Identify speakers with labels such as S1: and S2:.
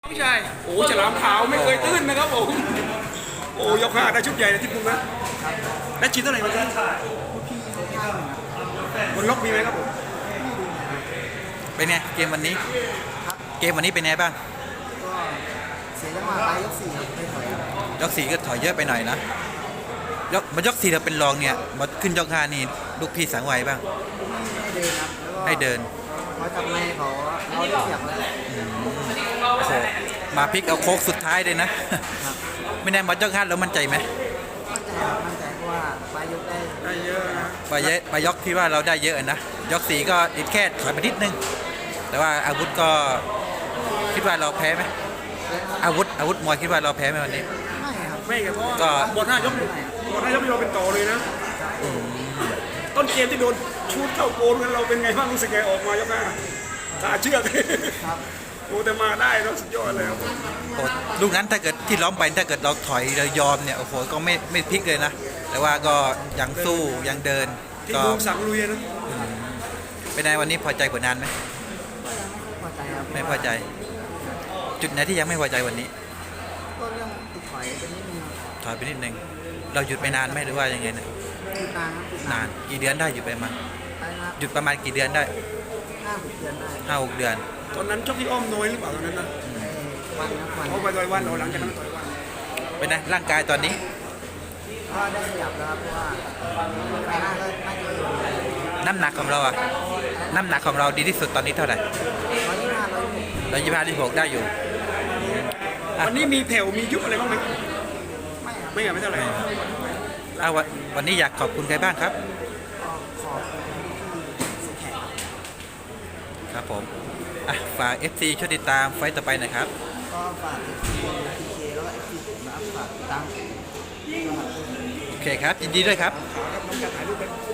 S1: ไม่ใช่โอ้ฉลามขาวไม่เคยตื้นนะครับผมโอ้ยกห้าได้ชุดใหญ่เลยที่พุ่งนะและชิ้นเท่าไหร่มันบนล็อกมีไหมครับผม
S2: เป็นไงเกมวันนี้เป็นไงบ้าง
S3: ก็เสียจังหวะไปยก 4ครับไม่ถอยครับ
S2: ยก4ก็ถอยเยอะไปหน่อยนะยก4เราเป็นรองเนี่ยมาขึ้นยก5นี่ลูกพี่สั่งไว้บ้าง
S3: ให้เดินครับแล้วก็
S2: ให้เดิน
S3: เขาจับในเขาเราได้เปรียบแล้ว
S2: โอ้โหมาพลิกเอาโค้งสุดท้ายเลยนะ
S3: ครับ
S2: ไม่แน่มายก5แล้วมั่นใจไหม
S3: มั่นใจเพราะว่าไปยกได้
S1: เยอะนะ
S2: ไปยกที่ว่าเราได้เยอะนะยก4ก็อีกแค่ถอยไปนิดนึงแต่ว่าอาวุธก็คิดว่าเราแพ้ไหมอาวุธมวยคิดว่าเราแพ้ไหมวันนี้
S3: ไม่ครับ
S1: ไม่ครับเพราะ
S2: ก็
S1: ว่าบนห้ายกเราเป็นต่อเลยนะต้นเกมที่โดนชูดเข้าโกนกันเราเป็นไงบ้างรู้สึกไงออกมายกห้าขาเชือก
S3: ครับ
S1: โอ้แต่มาได้แล้วสุดยอดเลยครับ
S2: โอ้ลูกนั้นถ้าเกิดที่ล้อมไปถ้าเกิดเราถอยเรายอมเนี่ยโอ้โหก็ไม่พลิกเลยนะแต่ว่าก็ยังสู้ยังเดิน
S1: ที่
S2: ก็
S1: ดูสั่งลุยนะ
S2: เป็นไงวันนี้พอใจผลงานไหม
S3: พอใจครับ
S2: ไม่พอใจ จุดไหนที่ยังไม่พอใจวันนี้
S3: ก็เรื่องติดถอยเป็นนิดนึงครับ
S2: ถอยไปนิดนึงเราหยุดไปนานไหมหรือว่ายังไงเนี่ย
S3: ติดนานครับติด
S2: นานกี่เดือนได้หยุดไปมา
S3: ไปนะครับ
S2: หยุดประมาณกี่เดือนได้
S3: 5-6 เดือนได้
S2: 5-6 เดือน
S1: ตอนนั้นชกที่อ้อมน้อยหรือเปล่าตอนนั้นนะ
S3: วันครับวัน
S1: เขาไปต่อยวันเราหลังจากนั้นต่อยวัน
S2: เป็นไงร่างกายตอนนี้
S3: ก็ได้ขยับแล้วครับเพราะว่าไปหน้าก็น่าจะอยู่
S2: น้ำหนักของเราอะน้ำหนักของเราดีที่สุดตอนนี้เท่าไหร่
S3: 125
S2: 125 126ได้อยู่
S1: วันนี้มีแผ่วมียุบอะไรบ้างไหม
S3: 126ไม่ครับ
S1: ไม่เท่าไหร่
S2: วันนี้อยากขอบคุณใครบ้างครับ
S3: ก็ขอบคุณที่สุดแขกครับ
S2: ครับผมฝาก FC ช่วยติดตามไฟต์ต่อไปหนะครับ
S3: ก็ฝาก FPK แล้วก็ FP ผมนะครับฝากติดตาม
S2: โอเคครับ ยินดีด้วยครับ
S1: ครับน้องจะถ่ายรูปไป